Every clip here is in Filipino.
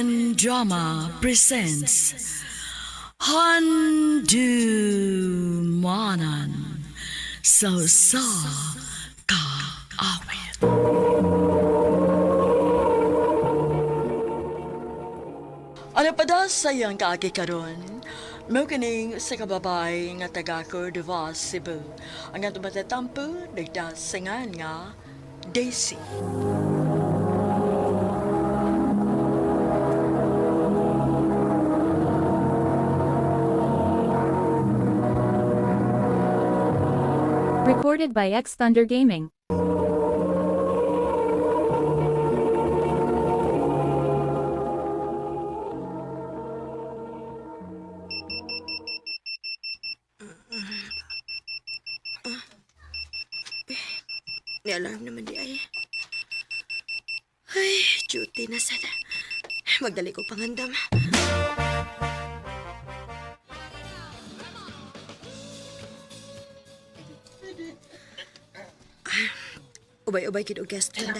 Korean Drama presents Handu Manan So Sa Ka Awit. Ano pa daw sayang kaagi karon? Mao kining sa kababay nga taga Cordova, Cebu. Ang atong matatampo nagdasingan nga Daisy. Recorded by X Thunder Gaming. May alarm naman di ay. Ay, duty na sana. Magdali ko pangandam. Ubay-ubay kid og guest handa.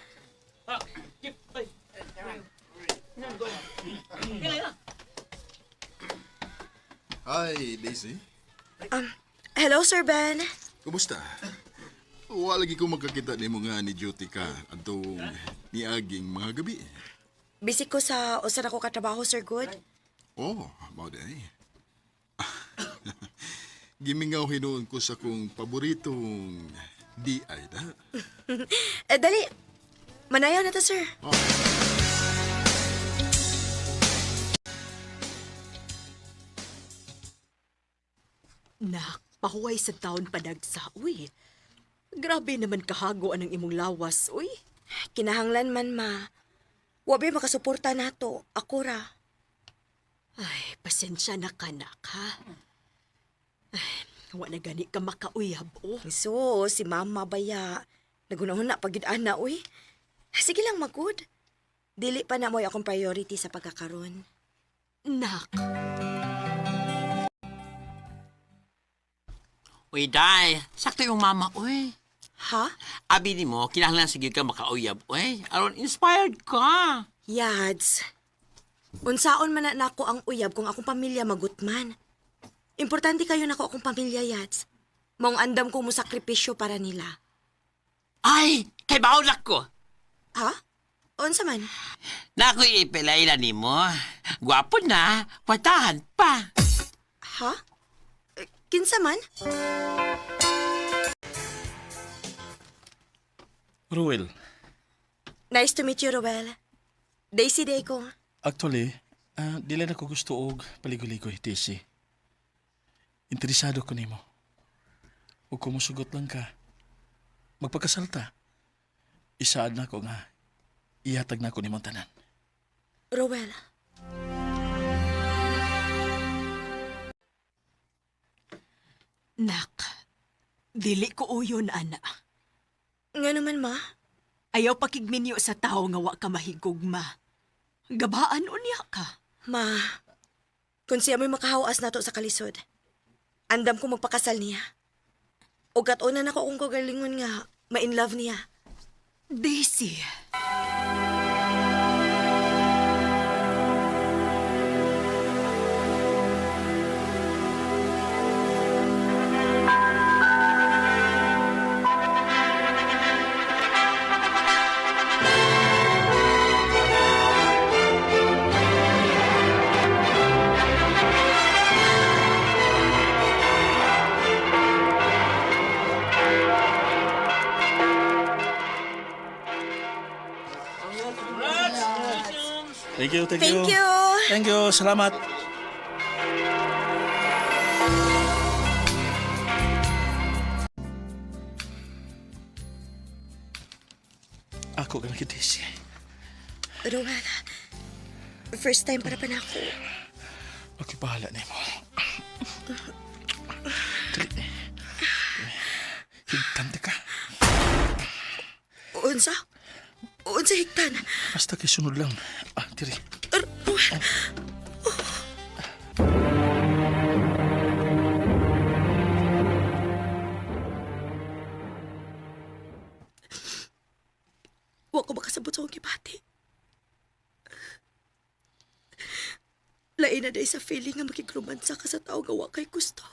Hi, Daisy. Hello, Sir Ben. Kumusta? Lagi ko magkakita ni mga ni duty ka atong niaging mga gabi. Busy ko sa usa na ko katrabaho, Sir Good. Oh, mauday. Gimingaw hinuon ko sa kong paboritong DI da. Dali. Manayaw na to, sir. Oh. Nak, pahuway sa taon padagsa, uy. Grabe naman kahago ang imong lawas, uy. Kinahanglan man, ma. Wabi makasuporta nato. Ako ra. Ay, pasensya na ka, nak, ha? Ay, wala gani ka makauyab, oh. So, si mama baya. Nagunahon na pagid-ana, uy. Sige lang, magud. Dili pa na mo'y akong priority sa pagkakaroon. Nak, Uy, Day, sakto yung mama, uy. Ha? Abi ni mo, kinahanglan sige ka makauyab, uy. Aron, inspired ka. Yads. Unsaon man na nako ang uyab kung akong pamilya magutman. Importante kayo nako akong pamilya, Yads. Maong andam ko mo sakripisyo para nila. Ay, kay baulak ko. Ha? Unsa man? Naku, ipilailan ni mo. Gwapo na, patahan pa. Ha? Kinsa man? Ruel, Nice to meet you, Roel. Daisy day ko. actually, dili na ko gusto og paligoy-ligoy, Daisy. Interesado ko nimo. Ug kung musugot lang ka, magpagkasalta. Isaad na ko nga, ihatag na ko nimong tanan. Roel. nak. Dili ko uyon, ana. Nga naman, ma. Ayaw pakigminyo sa tao nga wa ka mahigugma. Gabaan unya ka. Ma, kung siya may makahawas nato sa kalisod, andam ko magpakasal niya. O katunan ako kung kagalingon nga, ma-in love niya. Daisy. Thank you, thank, Thank you! Thank you, salamat. Ako ka lagi, Daisy. Roel, first time para pa na ako. Okay, bahala na mo. Dali. Higtante ka. Unsa? Unsa higtan? Basta kay sunod lang. Diri. Roel, wa ko makasabot sa akong gibati. Lain na day sa feeling nga makikromansa ka sa tao gawa kay gusto.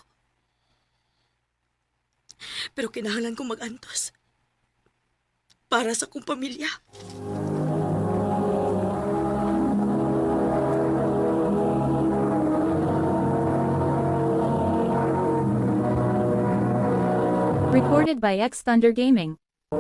Pero kinahanglan kong mag-antos. Para sa kong pamilya. Recorded by X Thunder Gaming.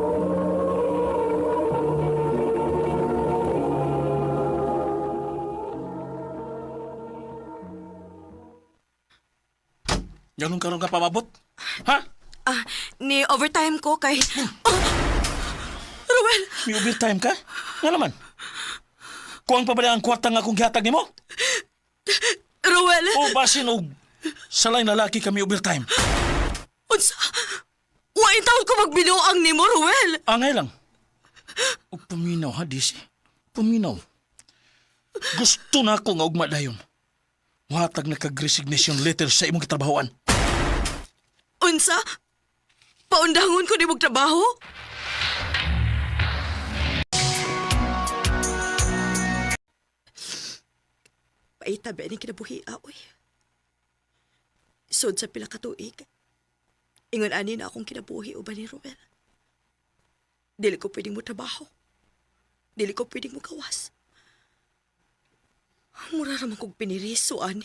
Ganun karon ka pamabot? Ha? Ni overtime ko kay... Oh! Ruel! May overtime ka? Nga naman. Kuang pa ba ang kwarta nga kung gihatag nimo? Ruel! O basin og salay na laki kami overtime. Unsa? Wain taon ko magbinuang ni mo, Ruel! Angay lang. O paminaw ha, Disi. Paminaw. Gusto na ako nga ugma dayon. Watag na kag-resignation letter sa imong kitrabahoan. Unsa? Paundangon ko ni mong trabaho? Paitabi ni kinabuhi aoy. Sud sa pila ka tuig. Ingon ani na akong kinabuhi uban ni Ruel. Dili ko pwedeng mo trabaho. Dili ko pwedeng mo kawas. Mura raman kong piniriso, ani.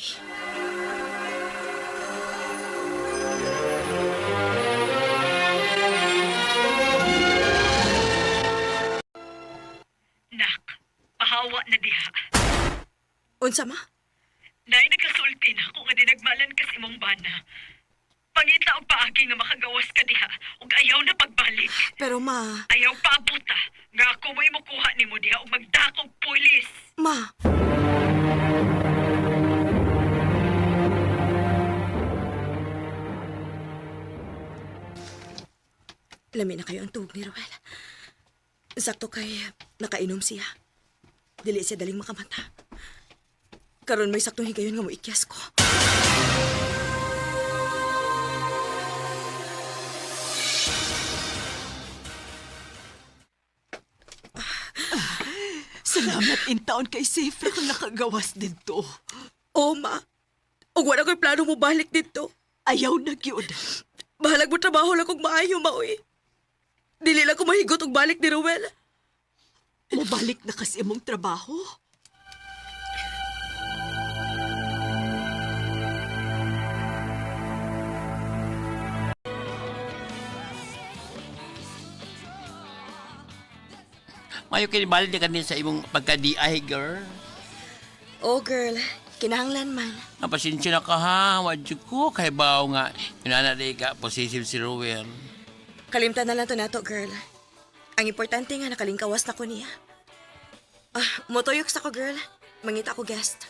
Nak, pahawa na diha. Unsa ma? Nay nagkasulti na kung nga dinagmalan kas imong bana. Pangita og paagi nga makagawas ka diha ug ayaw na pagbalik. Pero ma, Ayaw pa abuta nga ako mo imukuha nimo diha ug magdakog pulis. ma. Lami na kayo ang tuhog ni Ruel. Sakto kay nakainom siya. Dili siya daling makamata. Karon may saktong higayon nga mo ikyas ko. Salamat in taon kay safe kung nakagawas dito. Oo, ma. Ug wala ko'y plano mo balik dito. Ayaw na gyud. Bahalag mo trabaho lang kung maayo, maoy. Dili lang ko mahigot og balik ni Ruel. Mabalik na kasi imong trabaho. Mayo kinibalik na kanin sa imong pagka-DI, girl. Oh, girl. Kinahanglan man. Ang pasensya na ka ha, wadyo ko. Kay bao nga, yunanaday ka, possessive si Ruel. Kalimtan na lang to nato, girl. Ang importante nga nakalingkawas na ko niya. Motoyok sa ko, girl. Mangita ko guest.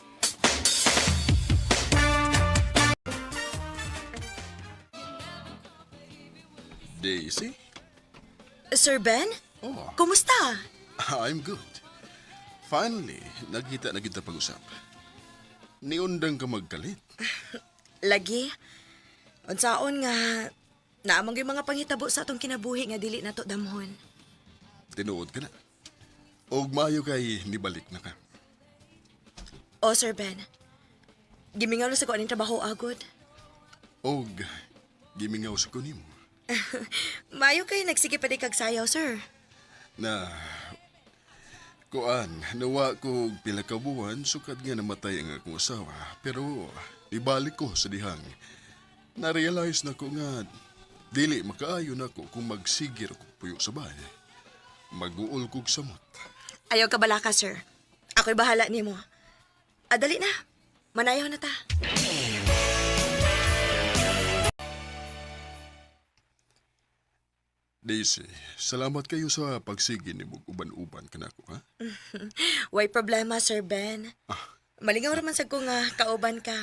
Daisy? Sir Ben? Oh, Kumusta? I'm good. Finally, nagkita na kita pag-usap. Niundang ka magkalit. Lagi. Unsaon nga, naamang yung mga panghitabo sa atong kinabuhi nga dili nato damhon. Tinuod ka na. Og maayo kay nibalik na ka. Oh, Sir Ben. Gimingaw na sa ko aning trabaho agod. Og gimingaw sa kunim Mayo kay nagsige pa di kag sayaw, sir. na kuan, nawa ko og pila ka buwan sukad nga namatay ang akong asawa. Pero ibalik ko sa dihang. Na-realize na ko nga dili makaayo na ko kung magsigir ko puyo sa bahay. Mag-uol kog samot. Ayaw ka bala ka, sir. Ako'y bahala nimo. Dali na. Manayaw na ta. Daisy, salamat kayo sa pagsigi ni mong uban-uban kanako, ha? Way problema, Sir Ben. Malingaw raman sa ko nga kauban ka.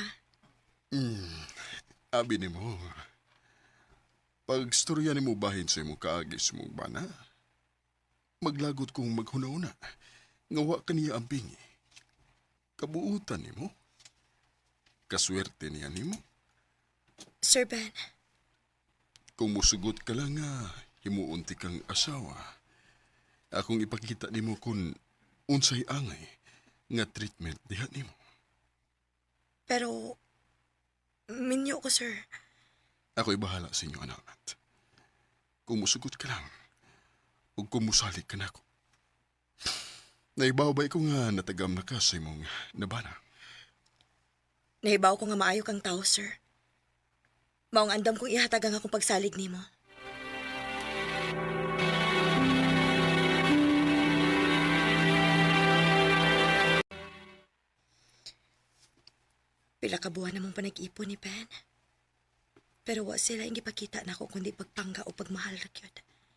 Abi ni mo. Pag storya ni mo bahin sa imong kaagis mong bana, maglagot kong maghuna-una. Ngawa ka niya ang bingi. Kabuutan ni mo. Kaswerte niya ni mo. Sir Ben, Kung musugot ka lang nga, himuunti kang asawa. Akong ipakita ni mo kung unsay angay nga treatment diha ni mo. Pero, minyo ko, sir. Ako'y bahala sa inyo, anak. Kung musugot ka lang, o kung musalik ka na ako. Naibawbay ko nga natagam na ka sa imong nabana. Nahibaw ko nga maayo kang tao, sir. Maong andam kong ihatag ang akong pagsalig nimo. Pila ka buwan namang panag-ipon ni Ben. Pero wa sila yung gipakita na ako kundi pagpangga o pagmahal na kyod.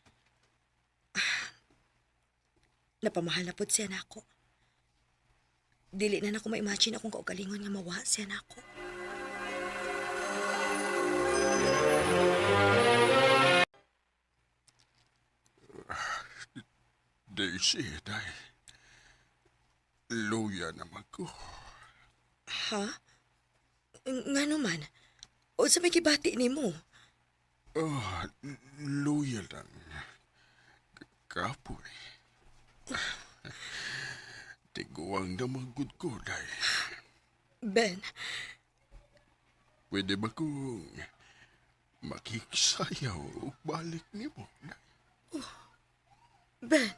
Napamahal na pod siya na ako. Dili na ako ma-imagine akong kaugalingon nga mawa siya na ako. Daisy, day. Luya naman ko. Ha? Nga naman. O sa may kibati ni mo? Oh, luya lang. Kapoy. Tiguang naman good ko, day. Ben, Pwede ba kong makiksayaw o balik ni mo, day? Ben.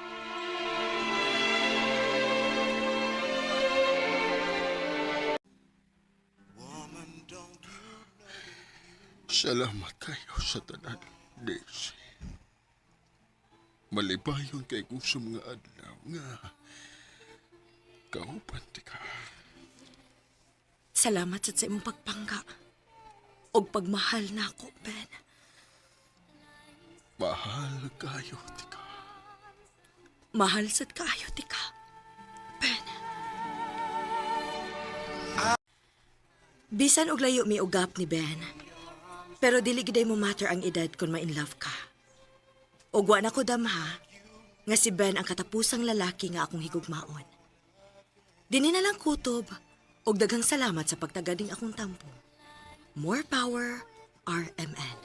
Salamat kayo sa tanan, Daisy. Malibayon kay kung sa mga adlaw nga kauban ti ka. Salamat sa imong pagpangga. Og pagmahal na ako, Ben. Mahal kayo ti ka. Mahal sad kaayo ti ka. Ben. Bisan og layo mi ugap ni Ben. Pero dili giday mo matter ang edad kung ma-in love ka. Og wa na ko damha nga si Ben ang katapusang lalaki nga akong higugmaon. Dini na lang kutob og daghang salamat sa pagtagading akong tampo. More power, RMN.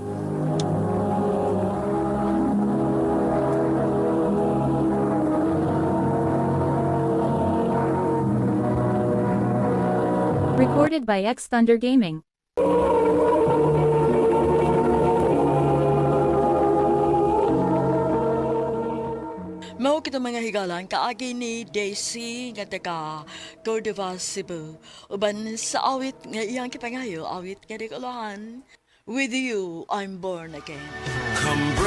Recorded by X Thunder Gaming. Mao kita mga higalan kaagi ni Daisy nga taga Cordova, Cebu. Uban sa awit nga iyang kipangayo, awit nga di kalahan. With you, I'm born again. Come